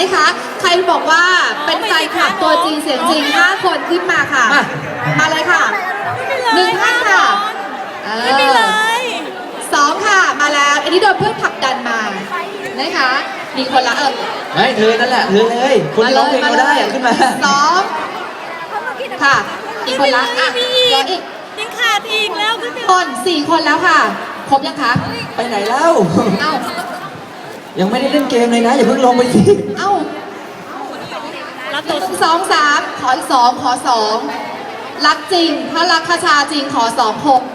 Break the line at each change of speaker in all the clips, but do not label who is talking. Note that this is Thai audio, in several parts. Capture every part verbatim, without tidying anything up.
นะคะ ใครบอกว่าเป็นแฟนคลับตัวจริงเสียงจริงห้าคนขึ้นมาค่ะ
มา
มาเลยค่ะหนึ่งท่านค่ะเอ
ไม่มีเล
อย สองค่ะมาแล้วอันนี้โดนเพื่อนผลักดันมานะคะมีคนละเออ
ไม่เธอนั่นแหละเธอเลยคนร้องเพลงเราได้อะขึ้นมา
สองค่ะอีกคนละอ่ะ
มีอี
รอก อีก
ยังขาดอีกแล้วก็
คนสี่คนแล้วค่ะ ครบยังคะ
ไปไหนเล่า
เอ้า
ยังไม่ได้เล่นเกมเลยนะอย่าเพิ่งลงไปสิ
เอ้า
รับตัว
สองสามขออีกสองขอสองรักจริงถ้ารักคาชาจริงขอสองหก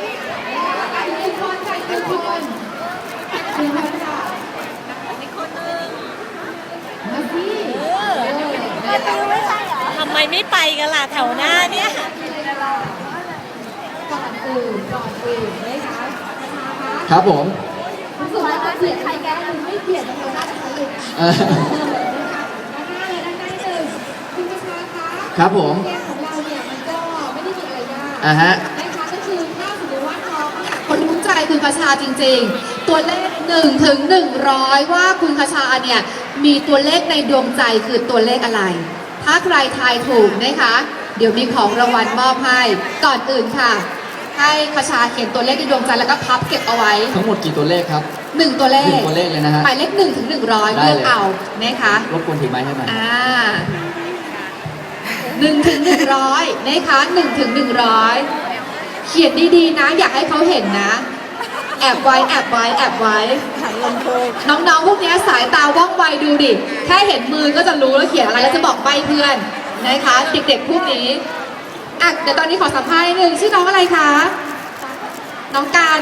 ทำไมไม่ไปกันล่ะแถวหน้าเนี่ย
ก่อนอื่นก่อนอื่นนะคะ
ครับผม
รู้สึกว่าจะเกลียดใครแกคุณไม่เกลียดนะคะน่าจะใช้เลย
เออ
ด้านหน้าเลยด้านหน้าหนึ่งคุณประชาคะ
ครับผม
เกมของเราเนี่ยมันก็ไม่ได้มีอะไรยาก
อ่ะฮะ
นะคะก็คือถ้าสมมติว่าน้องคนรู้ใจคุณคชาจริงๆ ตัวเลขหนึ่งถึงหนึ่งร้อยว่าคุณคชาเนี่ยมีตัวเลขในดวงใจคือตัวเลขอะไร ถ้าใครทายถูกนะคะ เดี๋ยวมีของรางวัลมอบให้ก่อนอื่นค่ะ ให้คชาเขียนตัวเลขในดวงใจแล้วก็พับเก็บเอาไว้
ทั้งหมดกี่ตัวเลขครับ
หนึ่งตัวเล
หนึ่
ข
งตัวเลขเลยนะฮะ
หมายเลขหนึ่งถึงหนึ่งร้อย
ได้
เลื
เลย
อกเอานะคะ
รบกวนถือไม้ให้หน่อย
อ่าหนึ่งถึงหนึ่งร้อยนะคะหนึ่งถึงหนึ่งร้อยเขียนดีๆนะ อยากให้เขาเห็นนะ แอบไว้แอบไว้แอบไว้
หันลงโทษ
น้องๆพวกนี้สายตาว่องไวดูดิ แค่เห็นมือก็จะรู้แล้วเขียนอะไรแล้วจะบอกใบเพื่อนนะคะ เด็กๆพวกนี้อ่ะเดี๋ยวตอนนี้ขอสัมภาษณ์นิดนึงชื่อน้องอะไรคะ น้องกัน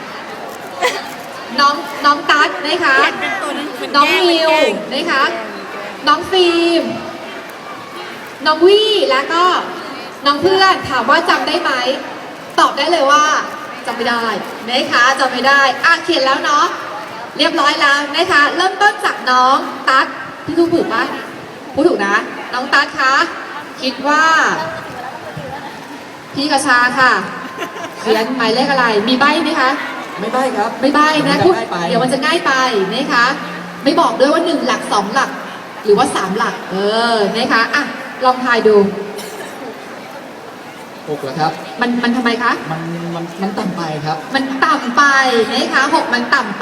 น้องน้องตั๊ดนะคะ
เขียนเป็นตัวนั้นเหมือน
น้อง
แกล้
มิว
เหมือนแกล้ง
นะคะ น้องฟิล์ม น้องวี่แล้วก็น้องเพื่อนถามว่าจำได้ไหม ตอบได้เลยว่าจำไม่ได้นะคะจำไม่ได้อ่ะเขียนแล้วเนาะ เรียบร้อยแล้วนะคะ เริ่มต้นจากน้องตั๊ดพี่ทูกถูกปะพูดถูกนะ น้องตั๊ดคะ คิดว่า พี่กระชาค่ะ เขียนหมายเลขอะไร มีใบไหมคะ
ไม่ใบ้ครับ
ไม่ใบ้นะ
เดี๋ยว
พูด
มันจะง่ายไป
เดี๋ยวมันจะง่ายไปนะคะ ไม่บอกด้วยว่าหนึ่งหลักสองหลัก หรือว่าสามหลัก เออนะคะอ่ะลองทายดู
หกแล้วครับ
มันมันทำไมคะ
มันมันมันต่ำไปครับ
มันต่ำไปนะคะหกมันต่ำไป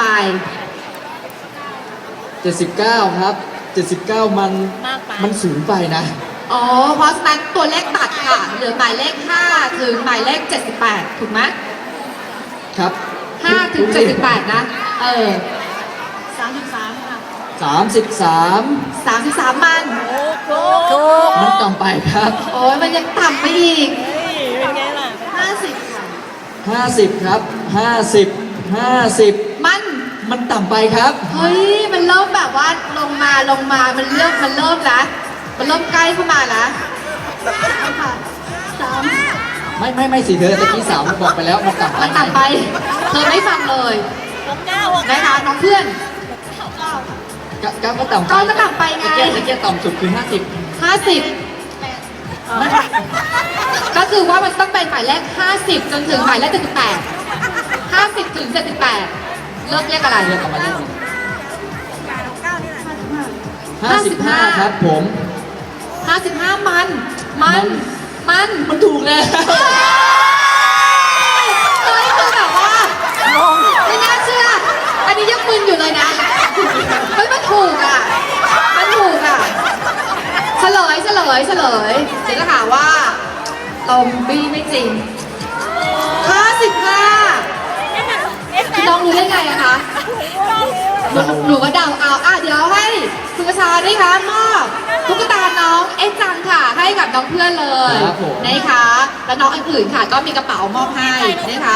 เจ็ดสิบเก้าครับเจ็ดสิบเก้ามัน
มากไป
มันสูงไปนะ
อ๋อ เพราะฉะนั้นตัวเลขตัดค่ะ เหลือหมายเลขห้าถึงหมายเลขเจ็ดสิบแปดถูกไหม
ครับ
ห้าถึงเจ็ดสิบแปดนะ เออ
สามสิบสามค่ะ
สามสิบสาม
สามสิบสามมัน
โอ้โห
มันต่ำไปครับ
โอ้ยมันยังต่ำไปอีก
เฮ้ยเป็นไงล่ะ
ห้าสิบค่ะ
ห้าสิบครับห้าสิบห้าสิบ
มัน
มันต่ำไปครับ
เฮ้ย มันเริ่มแบบว่าลงมาลงมา มันเริ่มมันเริ่มละมันเริ่มใกล้เข้ามาละค่ะสาม
ไม่ไม่ไม่สิเธอตะกี้สาวบอกไปแล้วมันต่ำไป
มันต่ำไป เธอไม่ฟังเลย
หกเก้าหก
นะคะน้องเพื่อน
ก็ก็ก็ต่ำไป
ก็จะต่ำไปไง
ตะเกียบตะเกียบต่ำสุดคือห้าสิบ
ห้าสิบก็คือว่ามันต้องเป็นหมายเลขห้าสิบจนถึงหมายเลขเจ็ดสิบแปดห้าสิบถึงเจ็ดสิบแปดเลือกเลขอะไร
เรียกออกมาเลขห้าสิบห้าครับผม
ห้าสิบห้ามัน มัน มัน
มันถูกแล้ว
เฮ้ยคือแบบว่าไม่น่าเชื่อ อันนี้ยังมึนอยู่เลยนะ เฮ้ยมันถูกอ่ะ มันถูกอ่ะ เฉลยเฉลยเฉลยเดี๋ยวจะหาว่าตอมบี้ไม่จริง ห้าสิบห้าคือน้องรู้ได้ไงอะคะ หนูหนูก็เดาเอาอ่ะเดี๋ยวให้คุณกระชาด้วยค่ะมอบตุ๊กตาน้องเอ็กจังค่ะ ให้กับน้องเพื่อนเลย
ครับผม
นะคะ แล้วน้องอื่นๆค่ะ ก็มีกระเป๋ามอบให้นะคะ